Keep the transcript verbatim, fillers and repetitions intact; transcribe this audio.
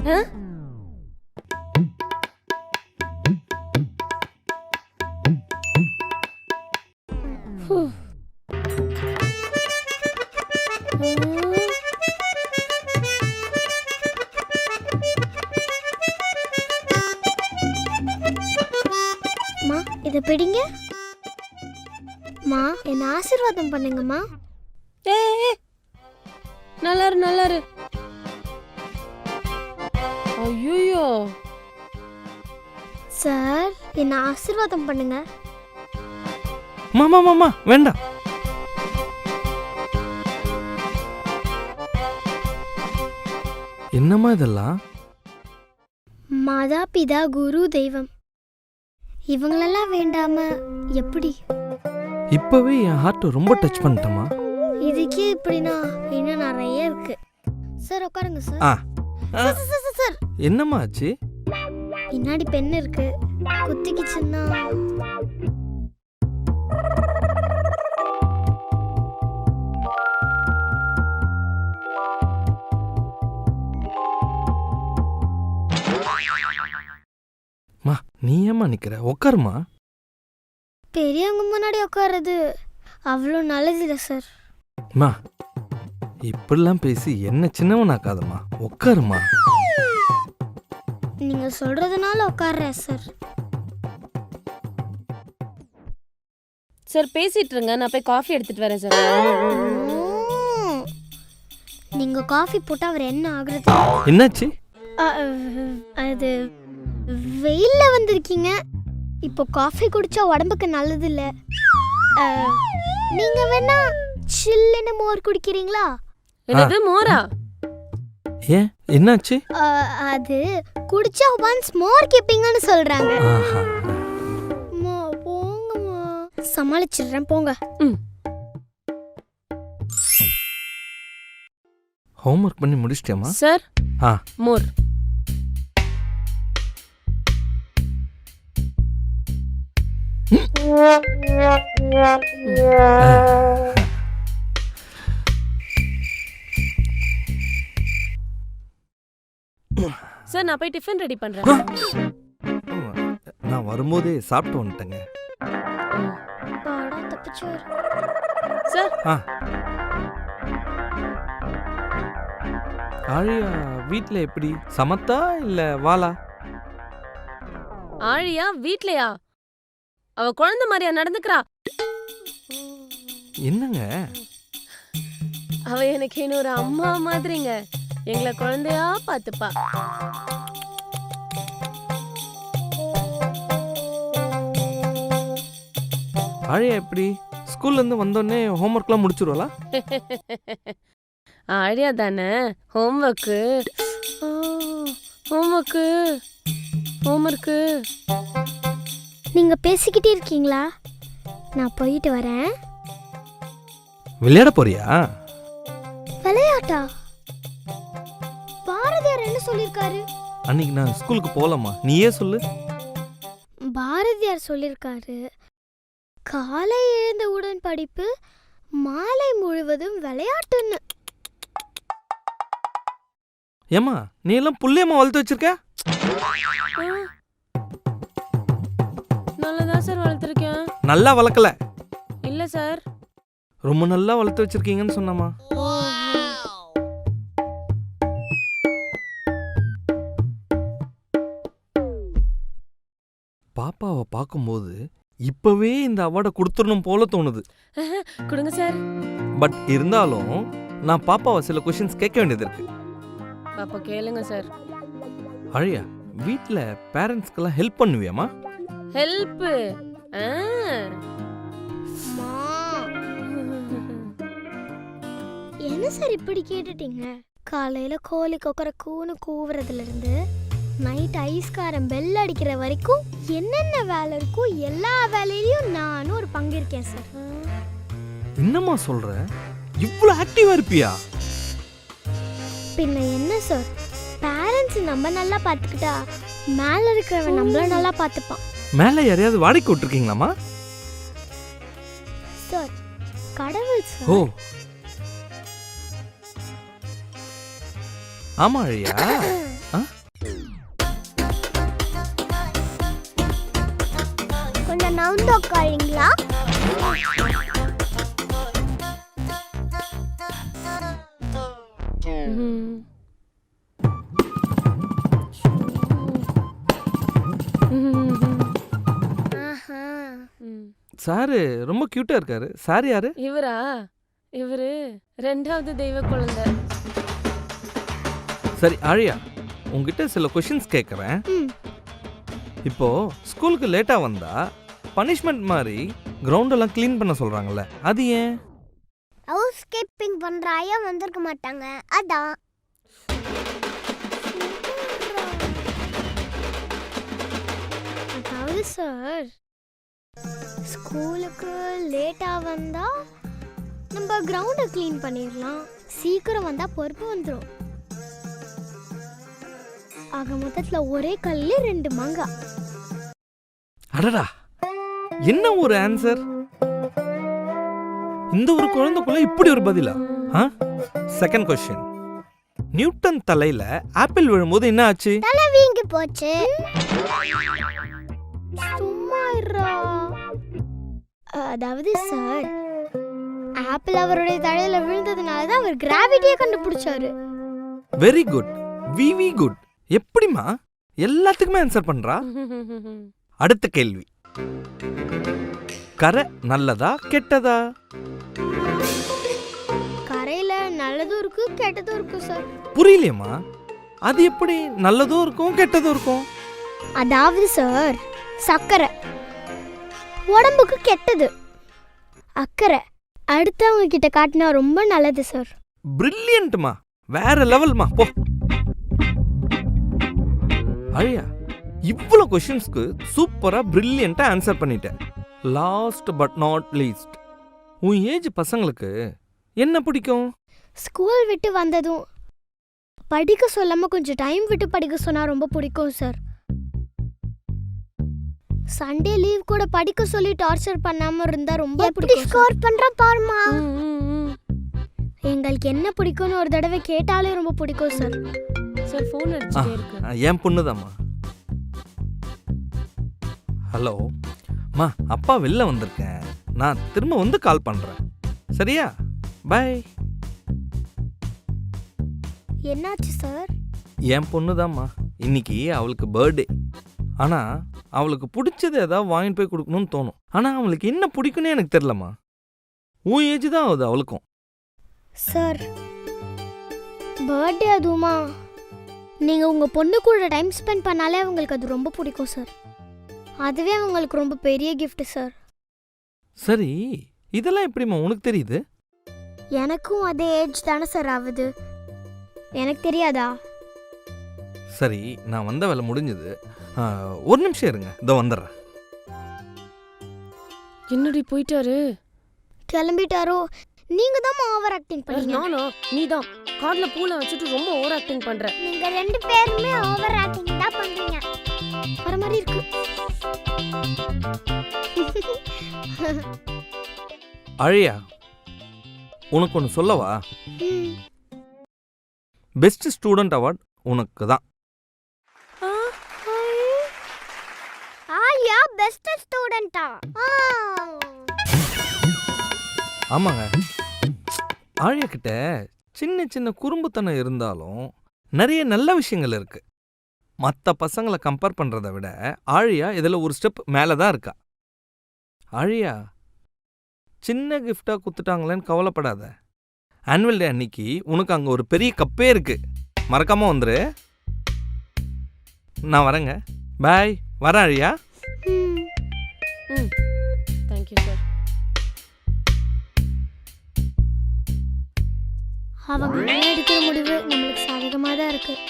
இத பிடிங்க மா, என்ன ஆசீர்வாதம் பண்ணுங்கம்மா. ஏ நல்லாரு நல்லாரு. ஐயோ சார், என்ன ஆசீர்வாதம் பண்ணுங்க. மாமா மாமா வேண்டாம். என்னம்மா இதெல்லாம்? மாதா பிதா குரு தெய்வம் இவங்களெல்லாம் வேண்டாம எப்படி? இப்பவே என் ஹார்ட் ரொம்ப டச் பண்ணிட்டமா. இதுக்கே இப்படினா இன்னும் நிறைய இருக்கு. சார் உட்காருங்க சார். ஆ சார், சார், சார், சார். என்னம்மா ஆச்சு? பின்னாடி பென் இருக்கு, குத்திக்கிச்சுன்னா. மா நீ ஏம்மா நிக்கிற? உட்காருமா. பெரியவங்க முன்னாடி உட்காருறது அவ்வளோ நல்லதில்லை சார். மா இப்படிலாம் பேசி என்ன சின்னவனாக்காதம்மா, உட்காருமா. நீங்க சொல்றதுனால உட்கார்றேன் சார். சார் பேசிட்டு இருங்க, நான் போய் காஃபி எடுத்துட்டு வரேன் சார். நீங்க காஃபி போட்டா அவர் என்ன ஆகுறது? என்னாச்சு? அது வெயில்ல வந்திருக்கீங்க, இப்போ காஃபி குடிச்சா உடம்புக்கு நல்லது இல்ல. நீங்க வேணா சில்லுன்னு மோர் குடிக்கிறீங்களா? என்னது மோரா? ஏன் என்னாச்சு? அது குடிச்சா ஒன்ஸ் மோர் கேப்பீங்கன்னு சொல்றாங்க. மா போங்கம்மா, சமாளிச்சிடுறேன் போங்க. ஹோம்வொர்க் பண்ணி முடிச்சிட்டியாமா? சார் ஆ மோர். சார் நான் போய் டிஃபன் ரெடி பண்றேன். நான் வரும்போதே சாப்பிட்டு வந்துட்டேங்க. பாடா தப்பிச்சார். சார் ஆ ஆழியா வீட்ல எப்படி? சமத்தா இல்ல வாளா? ஆழியா வீட்லயா? அவ குழந்தை மாதிரியா நடந்துக்கிறா? என்னங்க? அவ எனக்கு இன்னொரு அம்மா மாதிரிங்க. எங்களை குழந்தையா பாத்துப்பா. ஆழியா எப்படி? ஸ்கூல்ல இருந்து வந்தோடனே ஹோம்வொர்க்லாம் முடிச்சிருவாளா? ஆழியா தானே ஹோம்வொர்க்கு ஹோம்வொர்க்கு ஹோம்வொர்க்கு. நீங்க பேசிக்கிட்டே இருக்கீங்களா? நான் போயிட்டு வரேன். விளையாட போறியா? விளையாட்டா? பாரதியார் என்ன சொல்லிருக்காரு? அன்னைக்கு நான் ஸ்கூலுக்கு போகலாமா, நீயே சொல்லு. பாரதியார் சொல்லிருக்காரு, காலை எழுந்தவுடன் படிப்பு, மாலை முழுவதும் விளையாட்டுன்னு. ஏமா நீ எல்லாம் புள்ளையம்மா வளர்த்து வச்சிருக்க? நல்லதான் சார் வளர்த்துருக்கேன். நல்லா வளர்க்கல. இல்ல சார், ரொம்ப நல்லா வளர்த்து வச்சிருக்கீங்கன்னு சொன்னமா. பாப்பாவை பார்க்கும்போது இப்பவே இந்த அவார்டை கொடுத்துடணும் போல தோணுது. கொடுங்க சார். பட் இருந்தாலும் நான் பாப்பாவை சில கொஸ்டின்ஸ் கேட்க வேண்டியது இருக்கு. அப்ப கேளுங்க சார். அழியா வீட்ல பேரண்ட்ஸ்க்கெல்லாம் ஹெல்ப் பண்ணுவியாமா? ஹெல்ப்? என்ன சார் இப்படி கேட்டுட்டீங்க? காலையில கோழி கொக்கர கூன்னு கூவுறதுல இருந்து நைட் ஐஸ்காரம் பெல் அடிக்கிற வரைக்கும் என்னென்ன வேலை இருக்கோ எல்லா வேலையிலயும் நானும் ஒரு பங்கு இருக்கேன் சார். என்னம்மா சொல்ற? இவ்வளவு ஆக்டிவா இருப்பியா? பின்ன என்ன சார், பேரண்ட்ஸ் நம்ம நல்லா பார்த்துக்கிட்டா மேல இருக்கிறவன் நம்மள நல்லா பார்த்துப்பான். மேல யாரையாவது வாடகைக்கு விட்டுருக்கீங்களாமா? சார் கடவுள் சார். ஓ ஆமா அழியா. வந்து உட்காருங்களா? ம். ஆஹா. ம். சாரு ரொம்ப கியூட்டா இருக்காரு. சார் யாரு? இவரா இவரு ரெண்டாவது தெய்வ குழந்தை. சரி ஆழியா, உங்ககிட்ட சில கொஷின்ஸ் கேட்குறேன். ம். இப்போ ஸ்கூலுக்கு லேட்டா வந்தா பனிஷ்மெண்ட் மாதிரி கிரவுண்ட் எல்லாம் க்ளீன் பண்ண சொல்றாங்கல்ல, அது ஏன்? ஹவுஸ் கீப்பிங் பண்ற ஐயா வந்திருக்க மாட்டாங்க, அதான். அதாவது சார், ஸ்கூலுக்கு லேட்டா வந்தா நம்ம கிரவுண்டை க்ளீன் பண்ணிடலாம், சீக்கிரம் வந்தா பொறுப்பு வந்துடும். ஆக மொத்தத்துல ஒரே கல்ல ரெண்டு மாங்காய். அடடா, என்ன ஒரு ஆன்சர்! இந்த ஒரு குழந்தைக்குள்ள இப்படி ஒரு பதிலா? செகண்ட் கொஸ்டின், நியூட்டன் தலையில ஆப்பிள் விழும்போது என்ன ஆச்சு? தலை வீங்கி போச்சு. சும்மா இருடா. அதாவது சார், ஆப்பிள் அவருடைய தலையில விழுந்ததுனால தான் அவர் கிராவிட்டியை கண்டுபிடிச்சாரு. Very good, very good. எப்படிமா எல்லாத்துக்குமே ஆன்சர் பண்றா? அடுத்த கேள்வி, கரை நல்லதா கெட்டதா? கரையில நல்லதும் இருக்கு கெட்டதும் இருக்கு சார். புரியலையம்மா, அது எப்படி நல்லதும் இருக்கும் கெட்டதும் இருக்கும்? அதாவது சார், சர்க்கரை உடம்புக்கு கெட்டது, அக்கறை அடுத்தவங்க கிட்ட காட்டினா ரொம்ப நல்லது சார். பிரில்லியன்ட்மா, வேற லெவல்மா. போ அழியா, இவ்வளோ கொஷின்ஸ்க்கு சூப்பரா பிரில்லியண்டா ஆன்சர் பண்ணிட்டேன். லாஸ்ட் பட் நாட் லீஸ்ட், உன் ஏஜ் பசங்களுக்கு என்ன பிடிக்கும்? ஸ்கூல் விட்டு வந்ததும் படிக்க சொல்லாம கொஞ்சம் டைம் விட்டு படிக்க சொன்னா ரொம்ப பிடிக்கும் சார். சண்டே லீவ் கூட படிக்க சொல்லி டார்ச்சர் பண்ணாம இருந்தா ரொம்ப பிடிக்கும். ஸ்கோர் பண்ற பாருமா. எங்களுக்கு என்ன பிடிக்கும்னு ஒரு தடவை கேட்டாலே ரொம்ப பிடிக்கும் சார். சார் ஃபோன் அடிச்சிட்டே இருக்கு. என் பொண்ணுதாம்மா. ஹலோ மா, அப்பா வெளில வந்திருக்கேன், நான் திரும்ப வந்து கால் பண்றேன், சரியா? பை. என்னாச்சு சார்? என் பொண்ணுதாம்மா, இன்னைக்கு அவளுக்கு பர்த்டே. ஆனா அவளுக்கு பிடிச்சது ஏதாவது வாங்கிட்டு போய் கொடுக்கணும்னு தோணும். ஆனா அவளுக்கு என்ன பிடிக்கும்னு எனக்கு தெரியலம்மா. உன் ஏஜ் தான் ஆகுது அவளுக்கும். சார், பர்த்டே அதுவுமா? நீங்கள் உங்கள் பொண்ணு கூட டைம் ஸ்பெண்ட் பண்ணாலே அவங்களுக்கு அது ரொம்ப பிடிக்கும் சார். அதுவே அவங்களுக்கு ரொம்ப பெரிய கிஃப்ட் சார். சரி, இதெல்லாம் எப்படிம்மா உனக்கு தெரியுது? எனக்கும் அதே ஏஜ் தானே சார் ஆகுது, எனக்கு தெரியாதா? சரி, நான் வந்த வேலை முடிஞ்சது, ஒரு நிமிஷம் இருங்க, இதோ வந்துடுறேன். என்னடி போயிட்டாரு? கிளம்பிட்டாரோ? நீங்க தான் ஓவர் ஆக்டிங் பண்ணீங்க. நானோ? நீதான் கார்ல பூல வச்சுட்டு ரொம்ப ஓவர் ஆக்டிங் பண்ற. நீங்க ரெண்டு பேருமே ஓவர் ஆக்டிங் தான் பண்றீங்க. வர மாதிரி இருக்கு. அழியா, உனக்கு ஒன்று சொல்லவா? ம். பெஸ்ட் ஸ்டூடெண்ட் அவார்ட் உனக்கு தான். ஆலியா பெஸ்ட் ஸ்டூடெண்டா? ஆமாங்க, ஆழியா கிட்ட சின்ன சின்ன குறும்புத்தனம் இருந்தாலும் நிறைய நல்ல விஷயங்கள் இருக்கு. மற்ற பசங்களை கம்பேர் பண்றதை விட ஆழியா இதில் ஒரு ஸ்டெப் மேலே தான் இருக்கா. ஆழியா, சின்ன கிஃப்டா குத்துட்டாங்களேன்னு கவலைப்படாத. ஆனுவல் டே அன்னைக்கு உனக்கு அங்கே ஒரு பெரிய கப்பே இருக்கு, மறக்காம வந்துரு. நான் வரேங்க, பாய். வரேன் ஆழியா. ம். ம், தேங்க்யூ சார். அவங்க எடுக்கிற முடிவு நம்மளுக்கு சாதகமாக தான் இருக்கு.